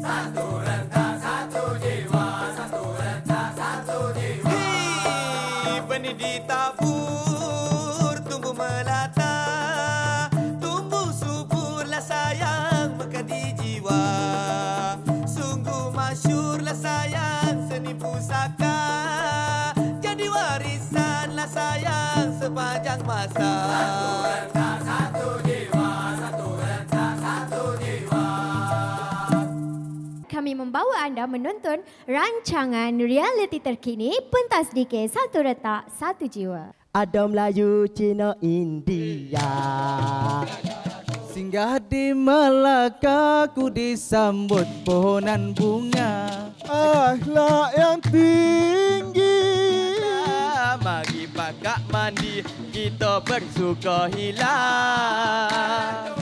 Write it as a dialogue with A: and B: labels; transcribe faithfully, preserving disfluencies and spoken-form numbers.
A: Satu rentak, satu jiwa. Satu rentak, satu jiwa.
B: Hei, benih ditabur, tumbuh melata. Tumbuh suburlah sayang, mengkadi jiwa. Sungguh masyurlah sayang, seni pusaka. Jadi warisanlah sayang sepanjang masa.
A: Satu rentak, satu jiwa. Satu rentak, satu jiwa.
C: Kami membawa anda menonton rancangan realiti terkini Pentas D K Satu Retak Satu Jiwa.
D: Ada Melayu, Cina, India.
E: Singgah di Melaka ku disambut pohonan bunga.
F: Akhlak yang tinggi.
B: Mari pakak mandi, kita bersuka hilang.